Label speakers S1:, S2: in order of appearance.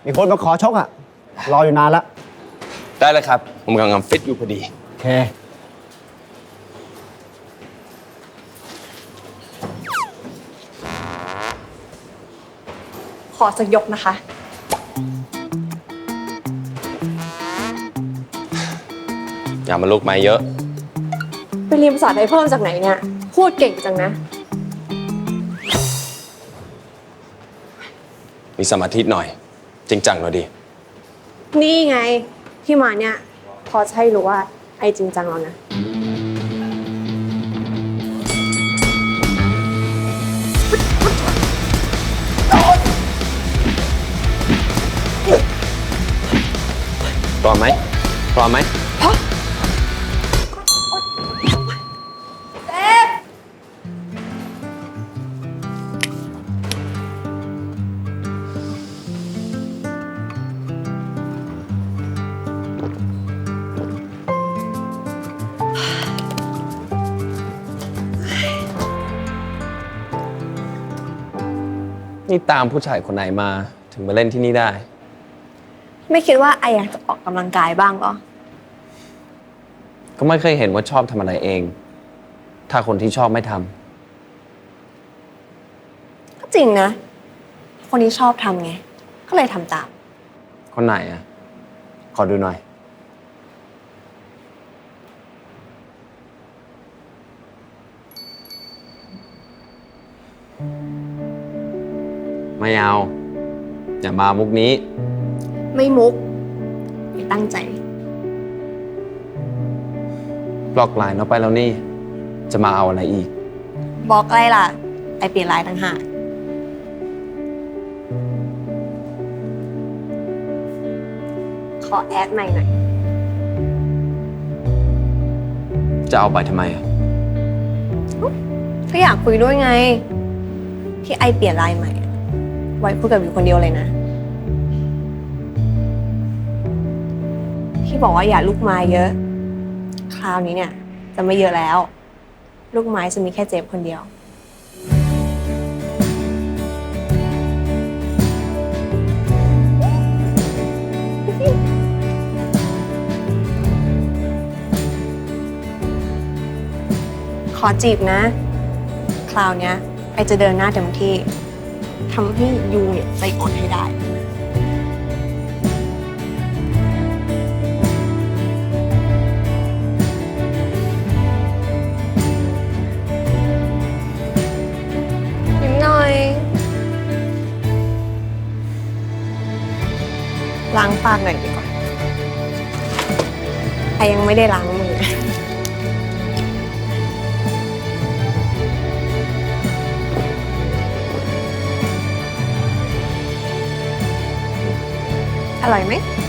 S1: มีคนมาขอชกอ่ะ รออยู่นานละ
S2: ได้เลยครับ ผมกำลังฟิตอยู่พอดี
S1: โอเค
S3: ขอสักยกนะคะ
S2: อย่ามาลุกไม้เยอะ
S3: ไปเรียนภาษาไทยเพิ่มจากไหนเนี่ย พูดเก่งจังนะ
S2: มีสมาธิหน่อย จริงจังหน่อยดิ
S3: นี่ไงที่มาเนี่ย พอจะให้รู้ว่าไอจริงจังแล้วนะ
S2: พร้อมไหมพร้อมไหม นี่ตามผู้ชายคนไหนมาถึงมาเล่นที่นี่ได้
S3: ไม่คิดว่าไออยากจะออกกำลังกายบ้างเหรอ
S2: ก็ไม่เคยเห็นว่าชอบทำอะไรเอง ถ้าคนที่ชอบไม่ทำ
S3: ก็จริงนะ คนที่ชอบทำไง ก็เลยทำตาม
S2: คนไหนอ่ะ ขอดูหน่อย ไม่เอา อย่ามามุกนี้
S3: ไม่มุกไม่ตั้งใจ
S2: บล็อกไลน์เราไปแล้วนี่ จะมาเอาอะไรอีก
S3: บอกอะไรล่ะ ไอเปลี่ยนไลน์ต่างหากขอแอดใหม่หน่อย
S2: จะเอาไปทำไมอ่ะ
S3: ก็อยากคุยด้วยไง ที่ไอเปลี่ยนไลน์ใหม่อะไว้คุยกับอยู่คนเดียวเลยนะ ที่บอกว่าอย่าลูกไม้เยอะ คราวนี้เนี่ย จะไม่เยอะแล้ว ลูกไม้จะมีแค่เจฟคนเดียว ขอจีบนะ คราวเนี้ยไอจะเดินหน้าเต็มที่ทำให้ยูเนี่ยใจอ่อนให้ได้ ยิ้มหน่อย ล้างปากหน่อยดีกว่าไอยังไม่ได้ล้างมือ อร่อยไหม